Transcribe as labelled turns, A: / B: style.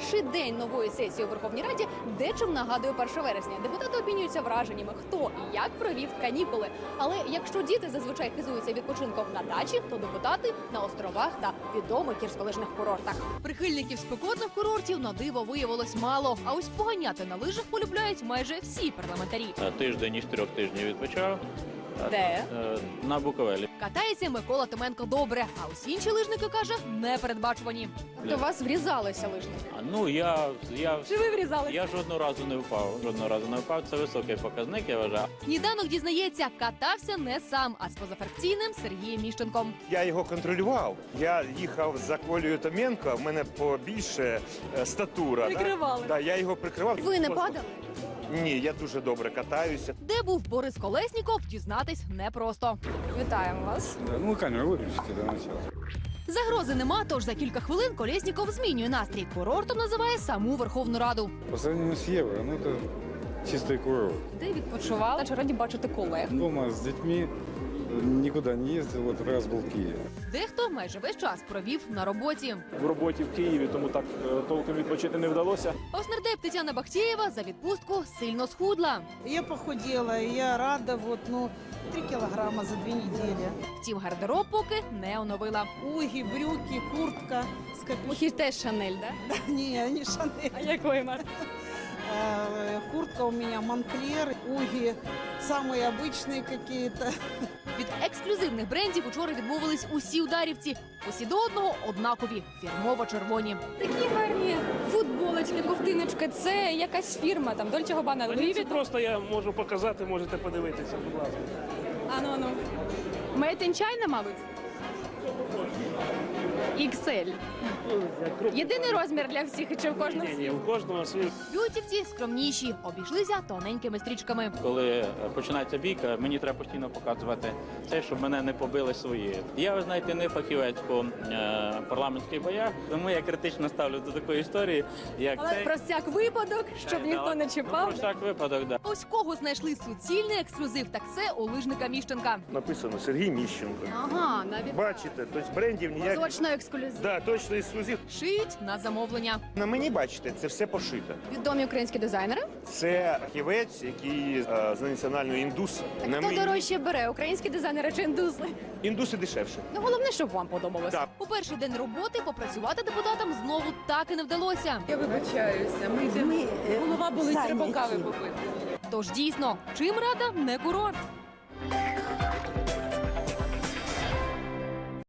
A: перший день нової сесії у Верховній Раді дечим нагадує 1 вересня. Депутати обмінюються враженнями, хто і як провів канікули. Але якщо діти зазвичай хизуються відпочинком на дачі, то депутати на островах та відомих гірськолижних курортах. Прихильників спекотних курортів на диво виявилось мало. А ось поганяти на лижах полюбляють майже всі парламентарі.
B: Тиждень із 3 тижнів відпочав.
A: Де?
B: На Буковелі.
A: Катається Микола Томенко добре, а усі інші лижники, каже, непередбачувані. До вас врізалися лижники?
B: Ну,
A: Чи ви врізалися?
B: я жодного разу не впав. Жодного разу не впав. Це високий показник, я вважаю.
A: Сніданок дізнається, катався не сам, а з позафракційним Сергієм Міщенком.
C: Я його контролював. Я їхав за Колею Томенко, в мене побільше статура.
A: Прикривали.
C: Да, я його прикривав.
A: Ви не падали?
C: Ні, я дуже добре катаюся.
A: Де був Борис Колесніков, дізнатись непросто. Вітаємо вас.
D: Ну, камеру виключите до начала.
A: Загрози нема, тож за кілька хвилин Колесніков змінює настрій. Курортом називає саму Верховну Раду.
D: По сравнению с Евро, ну это чистый курорт.
A: Де відпочивали? Чи раді бачити колег?
D: Дома с детьми, никуда не ездил, вот раз был в Киеве.
A: Дехто майже весь час провів на роботі.
E: В роботі в Києві, тому так толком відпочити не вдалося.
A: А ось нардеп Тетяна Бахтєєва за відпустку сильно схудла.
F: Я похудела, и я рада, 3 килограмма за 2 недели.
A: Втім, гардероб поки не оновила.
F: Уги, брюки, куртка с капюшоном.
A: теж Шанель, да?
F: Не, не Шанель.
A: А якої марки?
F: Куртка у меня Монклер, уги самые обычные какие-то.
A: Від ексклюзивних брендів учора відмовились усі ударівці. Усі до одного однакові, фірмово-червоні.
G: Такі гарні футболочки, ковтиночки. Це якась фірма, там Dolce Gabbana, Louis
E: Ні, це
G: Vuitton.
E: просто я можу показати, можете подивитися, будь ласка.
G: Ану. Made in China, мабуть? XL. Єдиний розмір для всіх, чи в кожного?
E: Ні, у кожного свій.
A: Б'ютівці скромніші, обійшлися тоненькими стрічками.
B: Коли починається бійка, мені треба постійно показувати те, щоб мене не побили свої. Я, ви знаєте, не фахівець по парламентських боях, тому я критично ставлю до такої історії, як
G: Але
B: цей.
G: про всяк випадок, щоб ніхто не
B: Про
G: чіпав.
B: всяк випадок, да.
A: Ось кого знайшли суцільний ексклюзив, так це у лижника Міщенка.
C: Написано Сергій Міщенко.
A: Ага, навіть
C: Бачите, тобто брендів ніяких.
A: точно ексклюзив.
C: Да, точно ексклюзив.
A: Шиють на замовлення.
C: На мені, бачите, це все пошито.
A: Відомі українські дизайнери.
C: Це фахівець, який з національної індус. На
A: Хто
C: мені
A: дорожче бере, українські дизайнери чи індуси?
C: індуси дешевше.
A: Ну, головне, щоб вам подобалося.
C: Так.
A: У перший день роботи попрацювати депутатам знову так і не вдалося.
G: Я вибачаюся, ми йдемо. Голова болить, треба кави попити.
A: Тож дійсно, чим рада не курорт.